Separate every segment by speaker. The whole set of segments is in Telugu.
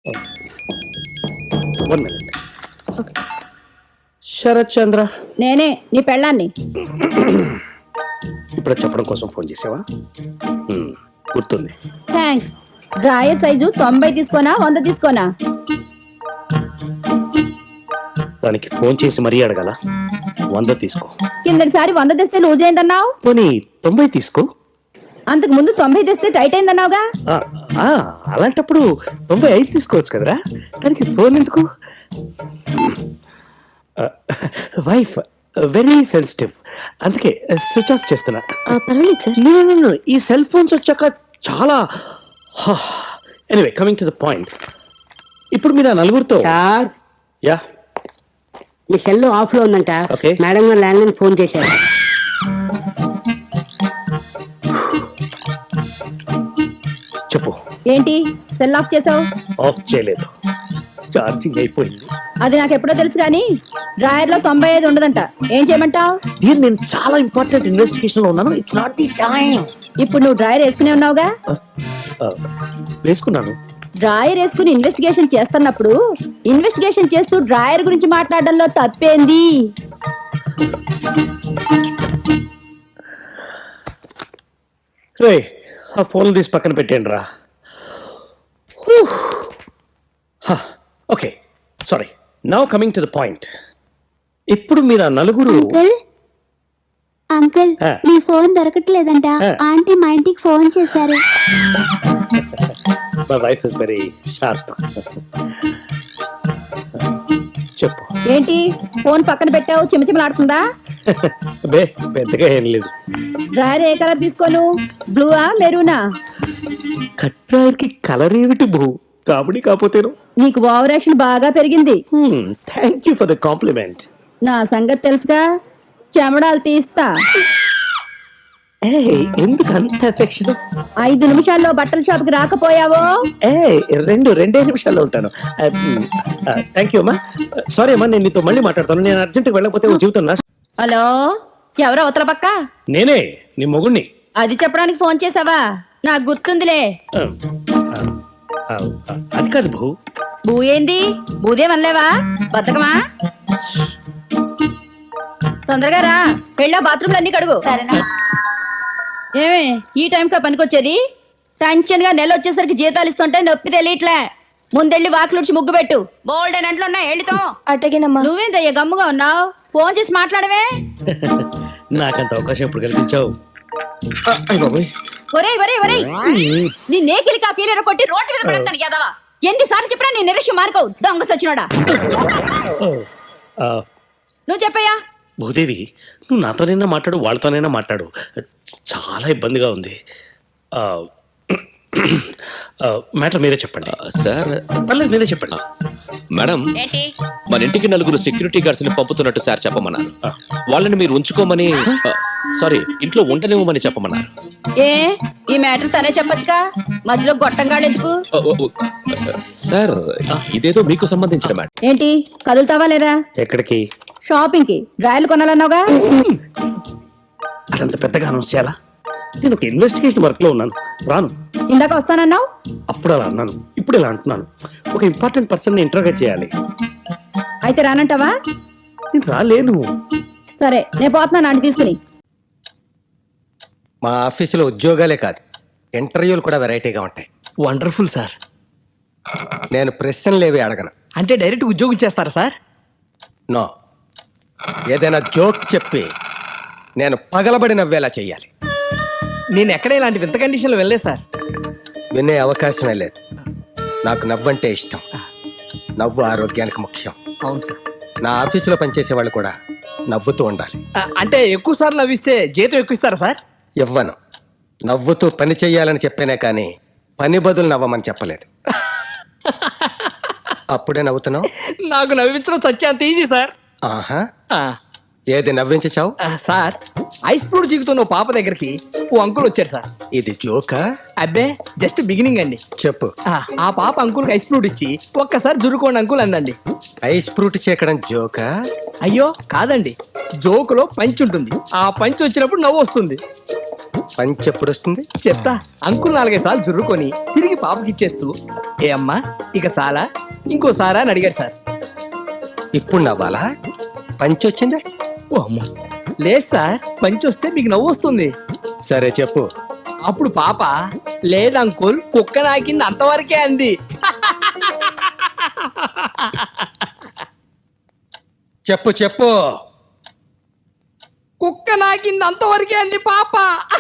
Speaker 1: 1 minute. శరత్ చంద్ర,
Speaker 2: నేనే నీ పెళ్ళాన్ని.
Speaker 1: ఇప్పుడు చెప్పడం కోసం ఫోన్ చేసావా? గుర్తుంది.
Speaker 2: థ్యాంక్స్. డ్రాయర్ సైజు 90 తీసుకోనా 100 తీసుకోనా?
Speaker 1: దానికి ఫోన్ చేసి మరీ అడగాల. 100 తీసుకో.
Speaker 2: కిందటిసారి 100 తెస్తే లూజ్ అయిందన్నావు.
Speaker 1: పోనీ 90 తీసుకో.
Speaker 2: అంతకు ముందు 90 తెస్తే టైట్ అయిందన్నావుగా.
Speaker 1: అలాంటప్పుడు 95 తీసుకోవచ్చు కదరా. దానికి ఫోన్ ఎందుకు? వైఫ్ వెరీ సెన్సిటివ్, అందుకే స్విచ్ ఆఫ్ చేస్తున్నా.
Speaker 2: పర్వాలేదు సార్.
Speaker 1: ఈ సెల్ ఫోన్స్ వచ్చాక చాలా. Anyway, coming to the point. ఇప్పుడు మీరు ఆ నలుగురితో.
Speaker 3: సార్,
Speaker 1: యా,
Speaker 3: మీ సెల్ ఆఫ్ లో ఉందంట.
Speaker 1: Okay.
Speaker 3: మేడం గారు ల్యాండ్ లైన్ ఫోన్ చేశారు.
Speaker 1: చెప్పు.
Speaker 2: ఏంటి సెల్ ఆఫ్ చేసావు?
Speaker 1: ఆఫ్ చేయలేదు, ఛార్జింగ్ అయిపోయింది.
Speaker 2: అది నాకు ఎప్పుడో తెలుసు కానీ డ్రాయర్ లో 95 ఉండదంట. ఏం చేయమంటావు?
Speaker 1: దీన్ని నేను చాలా ఇంపార్టెంట్ ఇన్వెస్టిగేషన్ లో ఉన్నాను. It's not the time.
Speaker 2: ఇప్పుడు నువ్వు డ్రాయర్ వేసుకునే ఉన్నావుగా.
Speaker 1: వేసుకున్నాను.
Speaker 2: డ్రాయర్ వేసుకుని ఇన్వెస్టిగేషన్ చేస్తున్నప్పుడు ఇన్వెస్టిగేషన్ చేస్తూ డ్రాయర్ గురించి మాట్లాడడంలో తప్పేంది?
Speaker 1: రే, ఆ ఫోన్లు తీసి పక్కన పెట్టేయండి రా. Okay, sorry. Now coming to the point. ఇప్పుడు మీరు ఆ నలుగురు.
Speaker 4: అంకుల్,
Speaker 1: ఆ.
Speaker 4: మీ ఫోన్ దొరకట్లేదంట.
Speaker 1: ఆ.
Speaker 4: ఆంటీ మా ఇంటికి ఫోన్ చేశారు.
Speaker 1: My wife is very sharp. చెప్పు.
Speaker 2: ఏంటి ఫోన్ పక్కన పెట్టావు? చిమచిమలాడుతుందా?
Speaker 1: బే, పెద్దగా ఏం లేదు.
Speaker 2: డ్రాయర్ ఏ కలర్ తీసుకోను? బ్లూవా మెరూనా?
Speaker 1: కట్రాయర్కి కలర్ ఏమిటి బహు? కాబడి కాకపోతేను.
Speaker 2: నీకు ఓవర్ యాక్షన్ బాగా పెరిగింది.
Speaker 1: Thank you for the compliment.
Speaker 2: నా సంగతి తెలుసుగా, చెమడాలు తీస్తా.
Speaker 1: ఎందుకు అంత ఎఫెక్షన్?
Speaker 2: 5 నిమిషాల్లో బట్టల షాప్కి రాకపోయావో
Speaker 1: రెండే నిమిషాల్లో ఉంటాను. థ్యాంక్ యూ అమ్మా. సారీ అమ్మా, నేను నీతో మళ్ళీ మాట్లాడతాను. నేను అర్జెంట్గా వెళ్ళకపోతే ఓ జీవితం నా.
Speaker 2: హలో, ఎవరో అవతల పక్క?
Speaker 1: నేనే, నీ మొగుణ్ణి.
Speaker 2: అది చెప్పడానికి ఫోన్ చేసావా? నాకు గుర్తుందిలే.
Speaker 1: అది కాదు బహు.
Speaker 2: బూ ఏంది? బూదేమనలేవా? బతకమా? తొందరగా రా, వెళ్ళా బాత్రూమ్లు అన్ని కడుగు. ఏమే ఈ టైంకా పనికొచ్చేది? టెన్షన్ గా నెల వచ్చేసరికి జీతాలు ఇస్తుంటే నొప్పి తెలియట్లే. ముందెళ్ళి వాకిలుడ్చి ముగ్గు పెట్టు. బోల్డ్ అని అంట్లో ఉన్నా వెళ్ళితో.
Speaker 4: అటగినమ్మా.
Speaker 2: నువ్వేందయ్యా గమ్ముగా ఉన్నావు? ఫోన్ చేసి మాట్లాడవే.
Speaker 1: నాకంత అవకాశం ఎప్పుడు కల్పించావు?
Speaker 2: ఒరేయ్ ఒరేయ్ ఒరేయ్, నీ నేకిలి కాపీలేరో కొట్టి రోడ్డు మీద పడతాను యాదవా. ఎన్నిసార్లు చెప్పినా నీ నిరక్ష్యం మార్కోవు దొంగ సచ్చినోడా. నువ్వు చెప్పయ్యా.
Speaker 1: భూదేవి, నువ్వు నాతోనైనా మాట్లాడు, వాళ్ళతోనైనా మాట్లాడు. చాలా ఇబ్బందిగా ఉంది. మ్యాటర్ మీరే చెప్పండి.
Speaker 5: సార్,
Speaker 1: పర్లేదు, మీరే చెప్పండి.
Speaker 5: మేడం,
Speaker 2: ఏంటి?
Speaker 5: మన ఇంటికి 4 సెక్యూరిటీ గార్డ్స్ ని పంపుతున్నట్టు సార్ చెప్పమన్నారు. వాళ్ళని మీరు ఉంచుకోమని, సారీ, ఇంట్లో ఉండనివ్వమని చెప్పమన్నారు.
Speaker 2: ఏ ఈ మ్యాటర్ తనే చెప్పొచ్చుగా, మధ్యలో గొట్టంగాడు ఎందుకు?
Speaker 5: సార్, ఇదేదో మీకు సంబంధించిన మ్యాటర్.
Speaker 2: ఏంటి కదులుతావా లేదా?
Speaker 1: ఎక్కడికి?
Speaker 2: షాపింగ్ కి. డ్రాయర్లు కొనాలన్నావుగా.
Speaker 1: అదంత పెద్దగా అనౌన్స్ చేయాలా? నేను ఒక ఇన్వెస్టిగేషన్ వర్క్ లో ఉన్నాను, రాను.
Speaker 2: ఇందాక వస్తానన్నావు.
Speaker 1: అప్పుడు అలా అన్నాను, ఇప్పుడు ఇలా అంటున్నాను. ఒక ఇంపార్టెంట్ పర్సన్ ని ఇంటర్గేట్ చేయాలి.
Speaker 2: అయితే రానంటావా?
Speaker 1: నేను రాలేను.
Speaker 2: సరే, నేను పోతున్నాను ఆంటీ తీసుకుని.
Speaker 6: మా ఆఫీసులో ఉద్యోగాలే కాదు, ఇంటర్వ్యూలు కూడా వెరైటీగా ఉంటాయి.
Speaker 7: Wonderful sir.
Speaker 6: నేను ప్రశ్నలేవి అడగను.
Speaker 7: అంటే డైరెక్ట్ ఉద్యోగం చేస్తారా సార్?
Speaker 6: నో, ఏదైనా జోక్ చెప్పి నేను పగలబడి నవ్వేలా చెయ్యాలి.
Speaker 7: నేను ఎక్కడ ఇలాంటి వింత కండిషన్లో వెళ్ళలేదు సార్.
Speaker 6: వినే అవకాశమే లేదు. నాకు నవ్వంటే ఇష్టం. నవ్వు ఆరోగ్యానికి ముఖ్యం.
Speaker 7: అవును సార్.
Speaker 6: నా ఆఫీసులో పనిచేసే వాళ్ళు కూడా నవ్వుతూ ఉండాలి.
Speaker 7: అంటే ఎక్కువ సార్లు నవ్విస్తే జీతం ఎక్కువ ఇస్తారా సార్?
Speaker 6: ఇవ్వను. నవ్వుతూ పని చెయ్యాలని చెప్పానే కానీ పని బదులు నవ్వమని చెప్పలేదు. అప్పుడే నవ్వుతున్నావు?
Speaker 7: నాకు నవ్వించడం సత్య అంత ఈజీ సార్.
Speaker 6: ఆహా, ఏది నవ్వించావు?
Speaker 7: సార్, ఐస్ ఫ్రూట్ జీగుతున్న పాప దగ్గరికి ఓ అంకుల్ వచ్చారు సార్.
Speaker 6: ఇది జోకా?
Speaker 7: అబ్బే, జస్ట్ బిగినింగ్ అండి.
Speaker 6: చెప్పు.
Speaker 7: ఆ పాప అంకుల్కి ఐస్ ఫ్రూట్ ఇచ్చి ఒక్కసారి జురుకోండి అంకుల్ అందండి.
Speaker 6: ఐస్ ఫ్రూట్ చేకడం జోకా?
Speaker 7: అయ్యో కాదండి, జోకులో పంచ్ ఉంటుంది. ఆ పంచ్ వచ్చినప్పుడు నవ్వు వస్తుంది.
Speaker 6: పంచి ఎప్పుడు వస్తుంది?
Speaker 7: చెప్తా. అంకుల్ 4-5 సార్లు జుర్రుకొని తిరిగి పాపకి ఇచ్చేస్తూ, ఏ అమ్మా ఇక చాలా, ఇంకోసారా అని అడిగారు సార్.
Speaker 6: ఇప్పుడు నవ్వాలా? పంచి వచ్చిందే?
Speaker 7: ఓ అమ్మా, లేదు సార్, పంచి వస్తే మీకు నవ్వు వస్తుంది.
Speaker 6: సరే చెప్పు.
Speaker 7: అప్పుడు పాప, లేదు అంకుల్, కుక్క నాకింది అంతవరకే అంది.
Speaker 6: చెప్పు చెప్పు.
Speaker 7: కుక్క నాకింది అంతవరకే అంది పాప.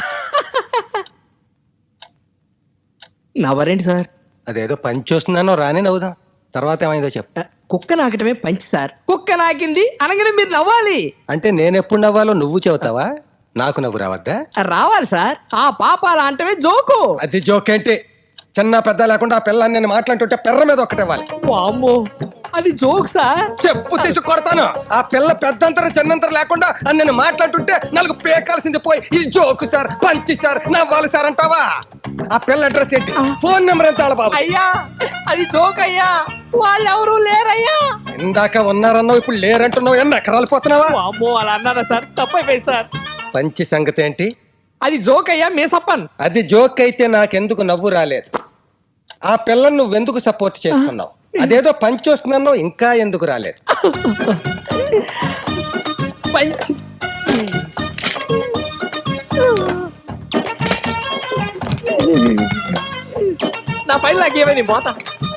Speaker 7: నవ్వరేంటి సార్?
Speaker 6: అదేదో పంచి వస్తుందనో రాని నవ్వుదాం. తర్వాత ఏమైందో చెప్పు.
Speaker 7: కుక్క నాకటమే పంచి సార్. కుక్క నాకింది అనగానే మీరు నవ్వాలి.
Speaker 6: అంటే నేను ఎప్పుడు నవ్వాలో నువ్వు చెబుతావా? నాకు నవ్వు రావద్దా?
Speaker 7: రావాలి సార్. ఆ పాప అలా అంటమే జోకు.
Speaker 6: అది జోక్ ఏంటి? చిన్న పెద్ద లేకుండా ఆ పిల్లని నేను మాట్లాడుతుంటే పెర్ర మీద ఒక్కటే ఇవ్వాలి.
Speaker 7: వామ్మో, అది జోక్ సార్.
Speaker 6: చెప్పు తీసి కొడతాను. ఆ పిల్ల పెద్దంతర చిన్నంతర లేకుండా అని నేను మాట్లాడుతుంటే నాలుగు పేకాల్సింది పోయి ఇది జోకు సార్, పంచి సార్, నవ్వాలి సార్ అంటావా? ఆ పిల్ల అడ్రస్ ఏంటి? ఫోన్ నెంబర్ ఎంత బాబు?
Speaker 7: అయ్యా అది జోక్ అయ్యా, వాళ్ళెవరూ లేరయ్యా.
Speaker 6: ఇందాక ఉన్నారన్నావు, ఇప్పుడు లేరంటున్నావు. ఎన్ని ఎకరాలు పోతున్నావా?
Speaker 7: వామ్మో, అలా అన్నారా సార్? తప్పైపోయింది సార్.
Speaker 6: పంచి సంగతి ఏంటి?
Speaker 7: అది జోక్ అయ్యా, మేసప్పన్.
Speaker 6: అది జోక్ అయితే నాకెందుకు నవ్వు రాలేదు? ఆ పిల్లను నువ్వెందుకు సపోర్ట్ చేస్తున్నావు? అదేదో పంచి వస్తుందన్నావు, ఇంకా ఎందుకు రాలేదు?
Speaker 7: పంచ్. నా పైన నాకేమైంది పోతా.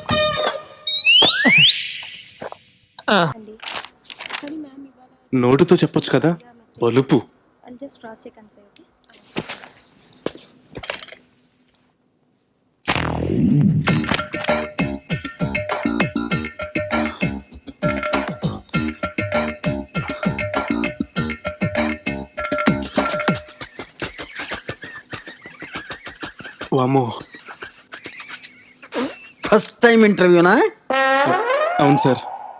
Speaker 8: నోటుతో చెప్పొచ్చు కదా, బలుపు. వామ్మో,
Speaker 9: ఫస్ట్ టైం ఇంటర్వ్యూనా?
Speaker 8: అవును సార్.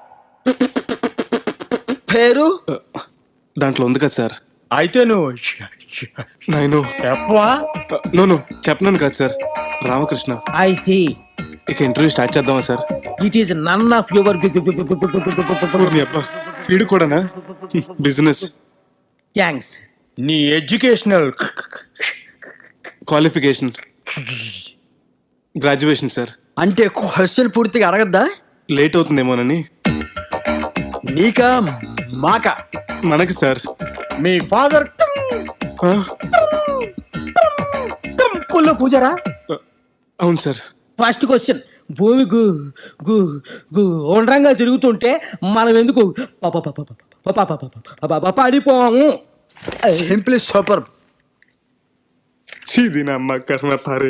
Speaker 9: పేరు
Speaker 8: దాంట్లో ఉంది కదా సార్.
Speaker 9: అయితే నువ్వు
Speaker 8: నేను నోను చెప్పనాను కదా సార్. రామకృష్ణ.
Speaker 9: I C.
Speaker 8: ఇక ఇంటర్వ్యూ స్టార్ట్ చేద్దామా sir?
Speaker 9: It is none of your
Speaker 8: ఊరిని అబ్బా, వీడు కూడానా? బిజినెస్.
Speaker 9: థ్యాంక్స్. నీ ఎడ్యుకేషనల్
Speaker 8: క్వాలిఫికేషన్ గ్రాడ్యుయేషన్ సార్.
Speaker 9: అంటే క్వశ్చన్ పూర్తిగా అడగద్దా?
Speaker 8: లేట్ అవుతుందేమోనని.
Speaker 9: నీకా మాకా?
Speaker 8: మనకి సార్.
Speaker 9: మీ ఫాదర్
Speaker 8: ఆ?
Speaker 9: టెంపుల్లో పూజారా?
Speaker 8: అవును సార్.
Speaker 9: ఫస్ట్ క్వశ్చన్, భూమి గుండ్రంగా తిరుగుతుంటే మనం ఎందుకు పడిపోము? Simply super.
Speaker 8: చీది నా అమ్మ కర్మ పారే.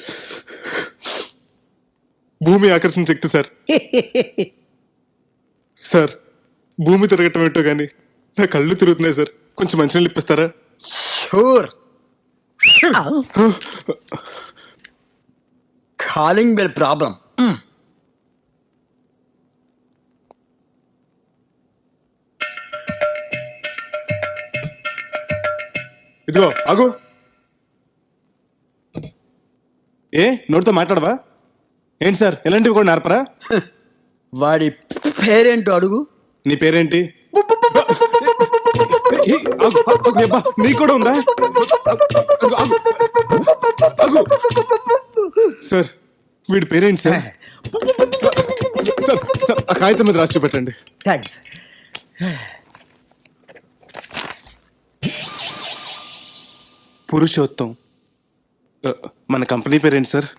Speaker 8: భూమి ఆకర్షణ శక్తి సార్. సార్, భూమి తిరగటం ఏంటో కానీ నా కళ్ళు తిరుగుతున్నాయి సార్. కొంచెం మంచినీళ్ళు ఇప్పిస్తారా?
Speaker 9: షూర్. Calling bell problem.
Speaker 8: ఇదిగో ఆగు. ఏ నోటితో మాట్లాడవా ఏంటి సార్? ఎలాంటివి కూడా నేర్పరా?
Speaker 9: వాడి పేరేంటో అడుగు.
Speaker 8: నీ పేరేంటి? ఏ, ఆగు, ఆగు, అబ్బా, నీకు కూడా ఉందా? ఆగు, ఆగు, ఆగు. సార్, వీడి పేరేంటి సార్? సార్, సార్, ఆ కాగితం మీద రాసి చూపెట్టండి.
Speaker 9: థ్యాంక్స్.
Speaker 8: పురుషోత్తం. మన కంపెనీ పేరేంటి sir?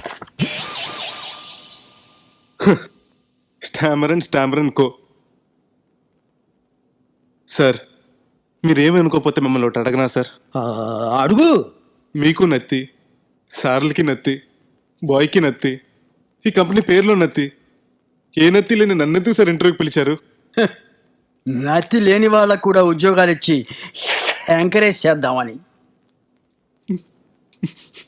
Speaker 8: Stammer and co. Sir, మీరేమనుకోకపోతే మిమ్మల్ని ఒకటి అడగనా సార్?
Speaker 9: అడుగు.
Speaker 8: మీకు నత్తి, సార్లకి నత్తి, బాయ్కి నత్తి, ఈ కంపెనీ పేరులో నత్తి. ఏ నత్తి లేని నన్నెందుకు సార్ ఇంటర్వ్యూకి పిలిచారు?
Speaker 9: నత్తి లేని వాళ్ళకు కూడా ఉద్యోగాలు ఇచ్చి ఎంకరేజ్ చేద్దామని.